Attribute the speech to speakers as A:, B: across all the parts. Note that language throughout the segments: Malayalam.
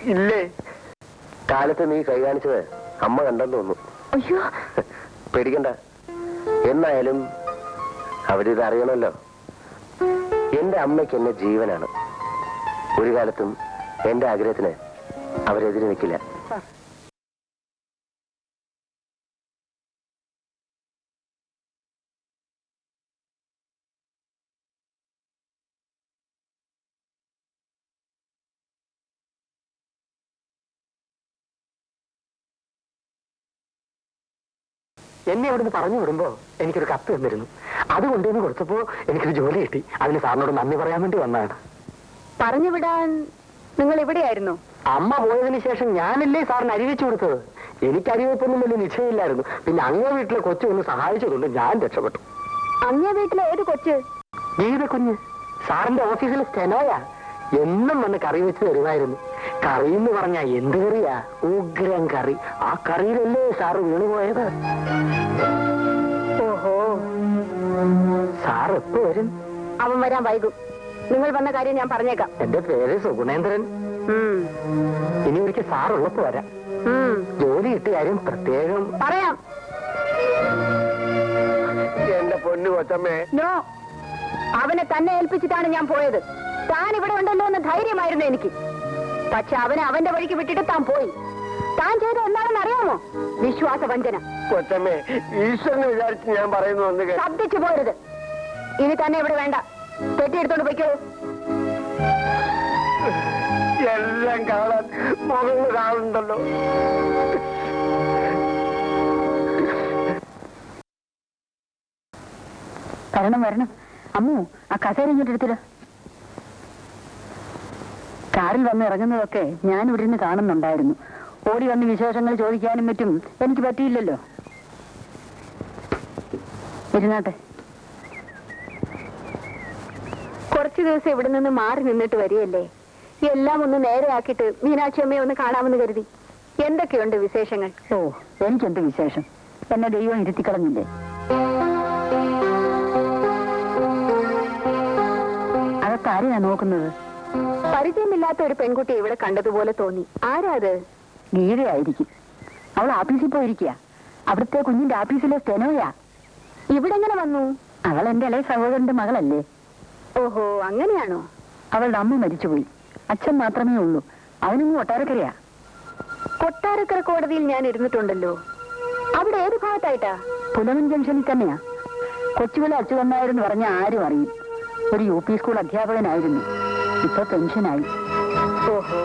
A: ഇല്ലേ? കാലത്ത് നീ കൈ കാണിച്ചത് അമ്മ കണ്ടെന്ന് തോന്നുന്നു.
B: അയ്യോ,
A: പേടിക്കണ്ട. എന്നായാലും അവരിത് അറിയണമല്ലോ. എന്റെ അമ്മയ്ക്ക് എന്നെ ജീവനാണ്. ഒരു കാലത്തും എന്റെ ആഗ്രഹത്തിന് അവരെതിരെ നിൽക്കില്ല.
C: എന്നെ അവിടുന്ന് പറഞ്ഞു വിടുമ്പോ എനിക്കൊരു കത്ത് തന്നിരുന്നു. അത് കൊണ്ടുവന്ന് കൊടുത്തപ്പോ എനിക്കൊരു ജോലി കിട്ടി. അതിന് സാറിനോട് നന്ദി പറയാൻ വേണ്ടി വന്നതാണ്.
B: പറഞ്ഞു വിടാൻ നിങ്ങൾ എവിടെയായിരുന്നു?
C: അമ്മ പോയതിനു ശേഷം ഞാനല്ലേ സാറിന് അരിവെച്ചു കൊടുത്തത്. എനിക്ക് അരിവെപ്പൊന്നും വലിയ നിശ്ചയമില്ലായിരുന്നു. പിന്നെ അങ്ങേ വീട്ടിലെ കൊച്ചു ഒന്ന് സഹായിച്ചതുകൊണ്ട് ഞാൻ രക്ഷപ്പെട്ടു.
B: അങ്ങേ വീട്ടിലെ ഏത് കൊച്ച്?
C: ഗീത കുഞ്ഞ്. സാറിന്റെ ഓഫീസിലെ സ്റ്റെനോയാ. എന്നും വന്ന് കറി വെച്ച് തരുമായിരുന്നു. കറി എന്ന് പറഞ്ഞാ എന്ത് കറിയാ? ഉഗ്രം കറി. ആ കറിയിലല്ലേ സാറ് വീണുപോയത്.
B: ഓഹോ,
C: സാർ എപ്പോ വരും?
B: അവൻ വരാൻ വൈകും. നിങ്ങൾ വന്ന കാര്യം ഞാൻ പറഞ്ഞേക്കാം.
C: എന്റെ പേര് സുഗുണേന്ദ്രൻ. ഇനി ഒരിക്കൽ സാറുള്ളപ്പോ വരാം. ജോലി കിട്ടിയ കാര്യം പ്രത്യേകം
B: പറയാം.
A: എന്റെ പൊന്നു കൊച്ചമ്മേ.
B: നോ, അവനെ തന്നെ ഏൽപ്പിച്ചിട്ടാണ് ഞാൻ പോയത്. താൻ ഇവിടെ ഉണ്ടല്ലോ എന്ന് ധൈര്യമായിരുന്നു എനിക്ക്. പക്ഷെ അവനെ അവന്റെ വഴിക്ക് വിട്ടിട്ട് താൻ പോയി. താൻ ചെയ്ത എന്താണെന്ന് അറിയാമോ? വിശ്വാസവഞ്ചന.
A: കൊച്ചമ്മേ, ഈശ്വരനെ വിചാരിച്ച് ഞാൻ പറയുന്നു.
B: ശബ്ദിച്ചു പോരുത്. ഇനി തന്നെ ഇവിടെ വേണ്ട. പെട്ടിയെടുത്തോണ്ട് പോയിക്കോ.
A: എല്ലാം കാണാൻ മുകളിൽ കാണുന്നുണ്ടല്ലോ.
B: വരണം വരണം. അമ്മു, ആ കസേര ഇങ്ങോട്ട് എടുത്തില്ല. കാറിൽ വന്ന് ഇറങ്ങുന്നതൊക്കെ ഞാൻ ഇവിടെ നിന്ന് കാണുന്നുണ്ടായിരുന്നു. ഓടി വന്ന് വിശേഷങ്ങൾ ചോദിക്കാനും പറ്റും എനിക്ക് പറ്റിയില്ലല്ലോ. ഇരുന്നാട്ടെ. കുറച്ചു ദിവസം ഇവിടെ നിന്ന് മാറി നിന്നിട്ട് വരികയല്ലേ. എല്ലാം ഒന്ന് നേരെയാക്കിയിട്ട് മീനാക്ഷി അമ്മയെ ഒന്ന് കാണാമെന്ന് കരുതി. എന്തൊക്കെയുണ്ട് വിശേഷങ്ങൾ? ഓ, എനിക്കെന്ത് വിശേഷം? എന്നെ ദൈവം ഇരുത്തിക്കളഞ്ഞില്ലേ. അതൊക്കെ ആരെയാ നോക്കുന്നത്? പരിചയമില്ലാത്ത ഒരു പെൺകുട്ടിയെ ഇവിടെ കണ്ടതുപോലെ തോന്നി. ആരാ അത്? ഗീതയായിരിക്കും. അവൾ ആഫീസിൽ പോയിരിക്കുക. അവിടുത്തെ കുഞ്ഞിന്റെ ആഫീസിലെ സ്റ്റെനോയാ. ഇവിടെ എങ്ങനെ വന്നു? അവൾ എന്റെ ഇളയ സഹോദരന്റെ മകളല്ലേ. ഓഹോ, അങ്ങനെയാണോ? അവളുടെ അമ്മ മരിച്ചുപോയി. അച്ഛൻ മാത്രമേ ഉള്ളൂ. അവനും കൊട്ടാരക്കരയാ. കൊട്ടാരക്കര കോടതിയിൽ ഞാൻ ഇരുന്നിട്ടുണ്ടല്ലോ. അവിടെ ഏത് ഭാഗത്തായിട്ടാ? പുലമൻ ജംഗ്ഷനിൽ തന്നെയാ. കൊച്ചുവിലെ അച്യുതന്നായിരുന്നു പറഞ്ഞ ആരും അറിയും. ഒരു UP സ്കൂൾ അധ്യാപകനായിരുന്നു. ഇപ്പൊ പെൻഷനായി. ഓഹോ.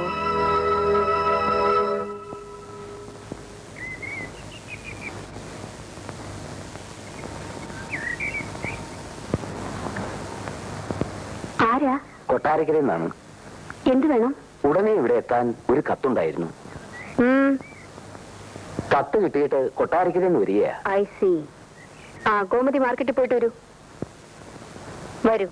B: ആരാ?
A: കൊട്ടാരക്കരയിൽ നിന്നാണ്.
B: എന്ത് വേണം?
A: ഉടനെ ഇവിടെ എത്താൻ ഒരു കത്തുണ്ടായിരുന്നു. കത്ത് കിട്ടിയിട്ട് കൊട്ടാരക്കരയിൽ നിന്ന് വരികയാ.
B: I C. ആ, ഗോമതി മാർക്കറ്റിൽ പോയിട്ട് വരൂ. വരൂ.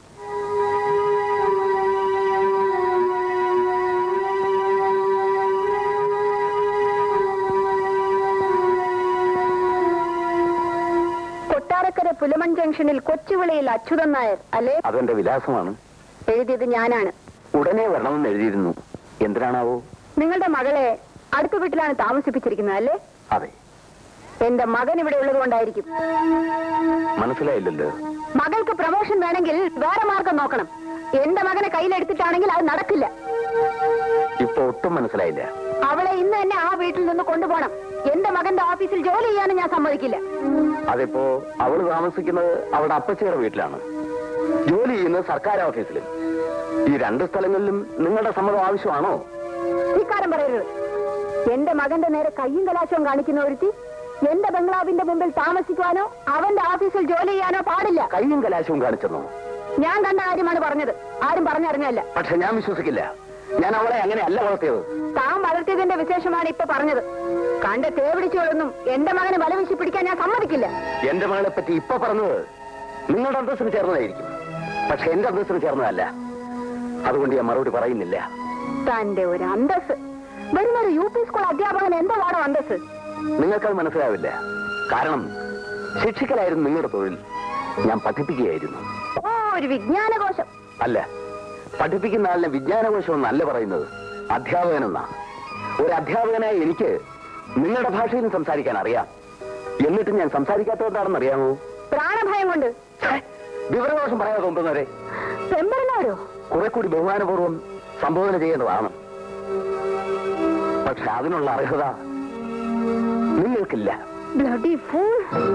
B: കൊട്ടാരക്കര പുലമൺ ജംഗ്ഷനിൽ കൊച്ചുവിളയിൽ അച്യുതൻ നായർ അല്ലേ?
A: അതെന്റെ വിലാസമാണ്.
B: എഴുതിയത് ഞാനാണ്.
A: ഉടനെ വരണമെന്ന് എഴുതിയിരുന്നു. എന്തിനാണാവോ?
B: നിങ്ങളുടെ മകളെ അടുത്ത വീട്ടിലാണ് താമസിപ്പിച്ചിരിക്കുന്നത് അല്ലേ?
A: അതെ.
B: എന്റെ മകൻ ഇവിടെ ഉള്ളത് കൊണ്ടായിരിക്കും.
A: മനസ്സിലായില്ലല്ലോ.
B: മകൾക്ക് പ്രമോഷൻ വേണമെങ്കിൽ വേറെ മാർഗം നോക്കണം. എന്റെ മകനെ കയ്യിലെടുത്തിട്ടാണെങ്കിൽ അത് നടക്കില്ല.
A: ഇപ്പൊ ഒട്ടും മനസ്സിലായില്ല.
B: അവളെ ഇന്ന് തന്നെ ആ വീട്ടിൽ നിന്ന് കൊണ്ടുപോകണം. എന്റെ മകന്റെ ഓഫീസിൽ ജോലി ചെയ്യാനും ഞാൻ സമ്മതിക്കില്ല.
A: അതിപ്പോ അവള് താമസിക്കുന്നത് അവളുടെ അപ്പച്ചിയുടെ വീട്ടിലാണ്. ജോലി ചെയ്യുന്നത് സർക്കാർ ഓഫീസിലും. ഈ രണ്ട് സ്ഥലങ്ങളിലും നിങ്ങളുടെ സമ്മതം ആവശ്യമാണോ?
B: ധിക്കാരം പറയരുത്. എന്റെ മകന്റെ നേരെ കയ്യും കലാശവും കാണിക്കുന്ന ഒരുത്തി എന്റെ ബംഗ്ലാവിന്റെ മുമ്പിൽ താമസിക്കുവാനോ അവന്റെ ഓഫീസിൽ ജോലി ചെയ്യാനോ പാടില്ല.
A: കയ്യും കലാശവും കാണിച്ചെന്നോ?
B: ഞാൻ കണ്ട കാര്യമാണ് പറഞ്ഞത്. ആരും പറഞ്ഞറിഞ്ഞല്ല.
A: പക്ഷെ ഞാൻ വിശ്വസിക്കില്ല. ഞാൻ അവളെ അങ്ങനെ അല്ല വളർത്തിയത്.
B: താൻ വളർത്തിയതിന്റെ വിശേഷമാണ് ഇപ്പൊ പറഞ്ഞത്. കണ്ട തേവിടിച്ചോളൊന്നും എന്റെ മകനെ വലവീശി പിടിക്കാൻ ഞാൻ സമ്മതിക്കില്ല.
A: എന്റെ മകളെ പറ്റി ഇപ്പൊ പറഞ്ഞത് നിങ്ങളുടെ അന്തസ്സിന് ചേർന്നതായിരിക്കും. പക്ഷെ എന്റെ അന്തസ്സിന് ചേർന്നതല്ല. അതുകൊണ്ട് ഞാൻ മറുപടി പറയുന്നില്ല.
B: തന്റെ ഒരു അന്തസ്. വരുന്നൊരു UP സ്കൂൾ അധ്യാപകൻ എന്താണോ അന്തസ്?
A: നിങ്ങൾക്കത് മനസ്സിലാവില്ല. കാരണം ശിക്ഷിക്കലായിരുന്നു നിങ്ങളുടെ തൊഴിൽ. ഞാൻ പഠിപ്പിക്കുകയായിരുന്നു.
B: ഓ, ഒരു വിജ്ഞാനകോശം.
A: അല്ല, പഠിപ്പിക്കുന്ന ആളിനെ വിജ്ഞാനകോശം എന്നല്ല പറയുന്നത്, അധ്യാപകനെന്നാ. ഒരു അധ്യാപകനായ എനിക്ക് നിങ്ങളുടെ ഭാഷയിലും സംസാരിക്കാൻ അറിയാം. എന്നിട്ട് ഞാൻ സംസാരിക്കാത്തതുകൊണ്ടാണെന്ന് അറിയാമോ?
B: പ്രാണഭയം കൊണ്ട്.
A: വിവരദോഷം പറയാതെ തോന്നുന്നവരെ
B: പെമ്പറനാരോ
A: കുറെ കൂടി ബഹുമാനപൂർവ്വം സംബോധന ചെയ്യേണ്ടതാണ്. പക്ഷെ അതിനുള്ള അർഹത നിങ്ങൾക്കില്ല.
B: Bloody fool.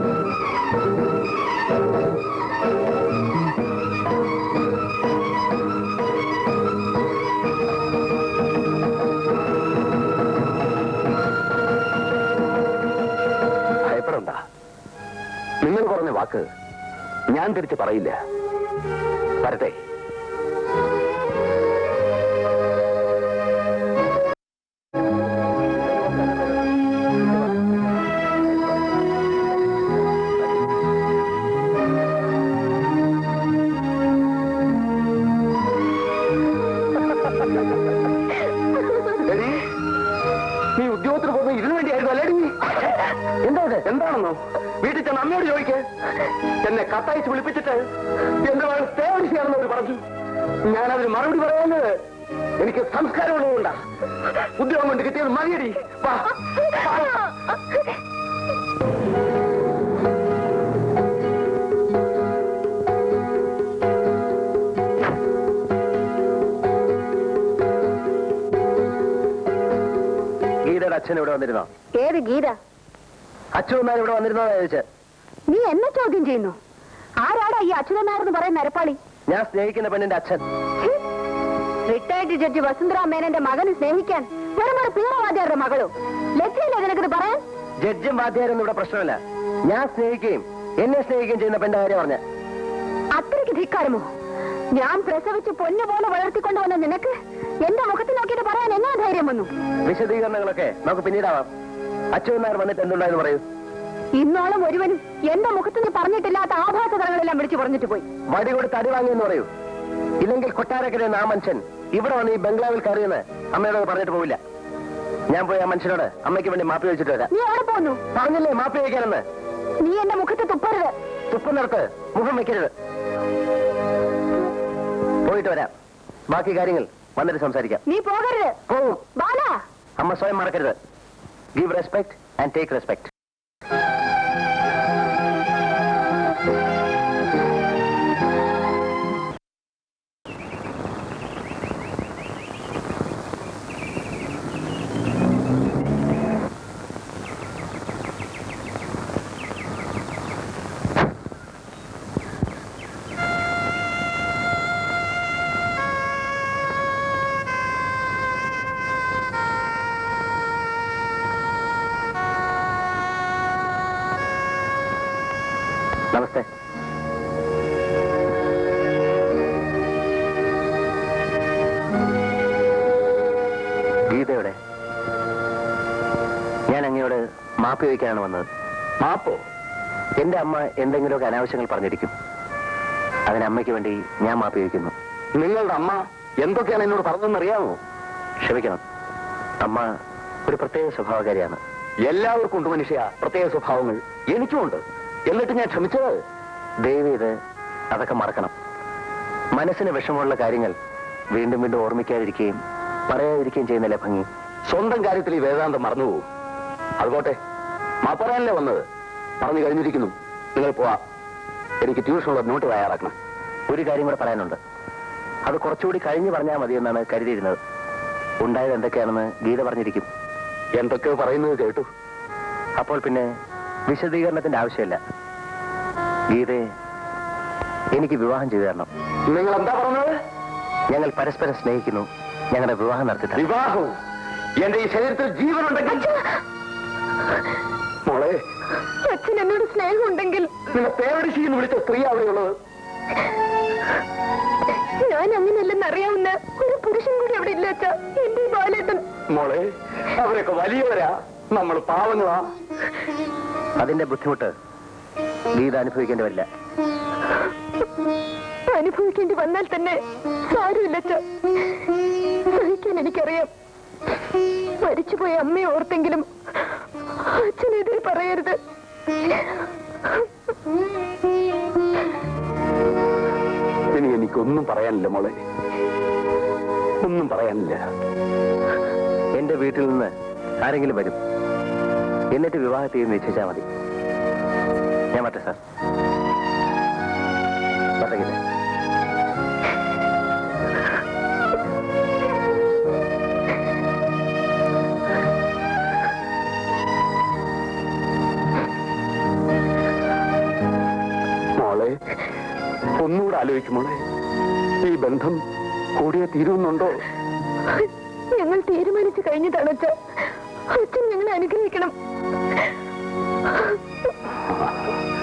A: ഭയപ്പെടണ്ട. നിങ്ങൾ പറഞ്ഞ വാക്ക് ഞാൻ തിരിച്ച് പറയില്ല. വരട്ടെ. നീ ഉദ്യോഗത്തിന് പോകുന്നത് ഇതിനു വേണ്ടിയായിരുന്നു അല്ലേടി? എന്താണെന്നോ വീട്ടിൽ ചെന്ന് അമ്മയോട് ചോദിക്ക്. എന്നെ കത്തയച്ച് വിളിപ്പിച്ചിട്ട് എന്റെ മകൾ സ്റ്റേഷനാണെന്ന് അവർ പറഞ്ഞു. ഞാനതിന് മറുപടി പറയാഞ്ഞത് എനിക്ക് സംസ്കാരമുള്ളതുകൊണ്ടാ. ഉദ്യോഗം കൊണ്ട് കിട്ടിയത് മതിയടി. ഗീതയുടെ അച്ഛൻ ഇവിടെ വന്നിരുന്നോ?
B: ഏത് ഗീത?
A: അച്ഛൻ ഇവിടെ വന്നിരുന്നോ ചോദിച്ച.
B: നീ എന്നെ ചോദ്യം ചെയ്യുന്നു? ആരാടാ ഈ അച്യുതനാരെന്ന് പറയുന്ന നരപ്പാളി?
A: ഞാൻ സ്നേഹിക്കുന്ന പെണ്ണിന്റെ അച്ഛൻ.
B: റിട്ടയർഡ് ജഡ്ജി വസുന്ധര മേനന്റെ മകനെ സ്നേഹിക്കാൻ വെറും ഒരു പീറവാദ്യാരുടെ മകളോ? ലജ്ജയില്ലേ നിനക്കിത് പറയാൻ?
A: ജഡ്ജും വാദ്യാരൊന്നും ഇവിടെ പ്രശ്നമല്ല. ഞാൻ സ്നേഹിക്കുകയും എന്നെ സ്നേഹിക്കുകയും ചെയ്യുന്ന പെണ്ണിന്റെ കാര്യം പറഞ്ഞ.
B: അത്രയ്ക്ക് ധിക്കാരമോ? ഞാൻ പ്രസവിച്ച് പൊന്നുപോലെ വളർത്തിക്കൊണ്ടുവന്ന നിനക്ക് എന്റെ മുഖത്ത് നോക്കിയിട്ട് പറയാൻ എങ്ങനെ ധൈര്യം വന്നു?
A: വിശദീകരണങ്ങളൊക്കെ നമുക്ക് പിന്നീടാവാം. അച്ഛൻ വന്നിട്ട് എന്തുണ്ടായെന്ന് പറയൂ.
B: ഇന്നോളം ഒരുവനും എന്റെ മുഖത്ത് നീ പറഞ്ഞിട്ടില്ലാത്ത ആഭാസതകളെല്ലാം വിളിച്ചു പറഞ്ഞിട്ട് പോയി.
A: വടി കൊടുത്ത് അടി വാങ്ങിയെന്ന് പറയൂ. ഇല്ലെങ്കിൽ കൊട്ടാരക്കര ആ മനുഷ്യൻ ഇവിടെ വന്ന് ഈ ബംഗ്ലാവിൽ കയറിയെന്ന് അമ്മയോട് പറഞ്ഞിട്ട് പോവില്ല. ഞാൻ പോയി ആ മനുഷ്യനോട് അമ്മയ്ക്ക് വേണ്ടി മാപ്പി വെച്ചിട്ട് വരാം.
B: നീ എവിടെ പോന്നു?
A: പറഞ്ഞില്ലേ മാപ്പി വയ്ക്കാനെന്ന്?
B: നീ എന്റെ മുഖത്ത് തുപ്പരുത്.
A: തുപ്പുന്നിടത്ത് മുഖം വെക്കരുത്. പോയിട്ട് വരാം. ബാക്കി കാര്യങ്ങൾ വന്നിട്ട് സംസാരിക്കാം.
B: നീ പോകരുത്.
A: പോവും.
B: ബാല,
A: അമ്മ സ്വയം മറക്കരുത്. Give respect and take respect. നമസ്തേ. ഗീതയുടെ ഞാൻ അങ്ങയോട് മാപ്പ് ചോദിക്കാനാണ് വന്നത്. മാപ്പോ? എന്റെ അമ്മ എന്തെങ്കിലുമൊക്കെ അനാവശ്യങ്ങൾ പറഞ്ഞിരിക്കും. അതിന് അമ്മയ്ക്ക് വേണ്ടി ഞാൻ മാപ്പ് ചോദിക്കുന്നു. നിങ്ങളുടെ അമ്മ എന്തൊക്കെയാണ് എന്നോട് പറഞ്ഞതെന്നറിയാമോ? ക്ഷമിക്കണം, അമ്മ ഒരു പ്രത്യേക സ്വഭാവകാരിയാണ്. എല്ലാവർക്കും ഉണ്ട് മനുഷ്യ പ്രത്യേക സ്വഭാവങ്ങൾ. എനിക്കുമുണ്ട്. എന്നിട്ട് ഞാൻ ക്ഷമിച്ചത്. ദയവേത് അതൊക്കെ മറക്കണം. മനസ്സിന് വിഷമമുള്ള കാര്യങ്ങൾ വീണ്ടും വീണ്ടും ഓർമ്മിക്കാതിരിക്കുകയും പറയാതിരിക്കുകയും ചെയ്യുന്നില്ലേ ഭംഗി? സ്വന്തം കാര്യത്തിൽ ഈ വേദാന്തം മറന്നുപോകും. അതുപോട്ടെ, മാപ്പറയാനല്ലേ വന്നത്. പറഞ്ഞു കഴിഞ്ഞിരിക്കുന്നു. നിങ്ങൾ പോവാ. എനിക്ക് ട്യൂഷനുള്ള നോട്ട് തയ്യാറാക്കണം. ഒരു കാര്യം കൂടെ പറയാനുണ്ട്. അത് കുറച്ചുകൂടി കഴിഞ്ഞ് പറഞ്ഞാൽ മതിയെന്നാണ് കരുതിയിരുന്നത്. ഉണ്ടായത് എന്തൊക്കെയാണെന്ന് ഗീത പറഞ്ഞിരിക്കും. എന്തൊക്കെയോ പറയുന്നത് കേട്ടു. അപ്പോൾ പിന്നെ വിശദീകരണത്തിന്റെ ആവശ്യമില്ല. ഗീതയെ എനിക്ക് വിവാഹം ചെയ്തു തരണം. നിങ്ങൾ എന്താ പറഞ്ഞത്? ഞങ്ങൾ പരസ്പരം സ്നേഹിക്കുന്നു. ഞങ്ങളുടെ വിവാഹം നടത്തി തരണം. വിവാഹവും? എന്റെ ഈ ശരീരത്തിൽ ജീവനുണ്ടെങ്കിൽ മോളെ,
B: അച്ഛൻ എന്നോട് സ്നേഹമുണ്ടെങ്കിൽ
A: നിന്നെ പേരടിശീന്ന് വിളിച്ച സ്ത്രീ അവിടെയുള്ളത്.
B: ഞാൻ അങ്ങനെയല്ലെന്ന് അറിയാവുന്ന ഒരു പുരുഷൻ കൂടി അവിടെ ഇല്ല അച്ഛാ. എന്റെ ബാലേട്ടൻ.
A: മോളെ, അവരൊക്കെ വലിയവരാ, നമ്മൾ പാവങ്ങളാ. അതിന്റെ ബുദ്ധിമുട്ട് ഗീത അനുഭവിക്കേണ്ടി വരില്ല.
B: അനുഭവിക്കേണ്ടി വന്നാൽ തന്നെ സാരമില്ല അച്ഛാ. സഹിക്കാൻ എനിക്കറിയാം. മരിച്ചുപോയ അമ്മയെ ഓർത്തെങ്കിലും അച്ഛനെതിരെ പറയരുത്.
A: ഇനി എനിക്കൊന്നും പറയാനില്ല മോളെ, ഒന്നും പറയാനില്ല. നിന്റെ വീട്ടിൽ നിന്ന് ആരെങ്കിലും വരും. എന്നിട്ട് വിവാഹത്തെ നിശ്ചയിച്ചാൽ മതി. ഞാൻ പറ്റേ സാർ. പറ്റേ.
C: മോളെ, ഒന്നുകൂടെ ആലോചിക്കുമോളെ. ഈ ബന്ധം കൂടിയേ തീരുന്നുണ്ടോ?
B: ഞങ്ങൾ തീരുമാനിച്ചു കഴിഞ്ഞിട്ടാണ് അച്ഛൻ ഞങ്ങളെ അനുഗ്രഹിക്കണം.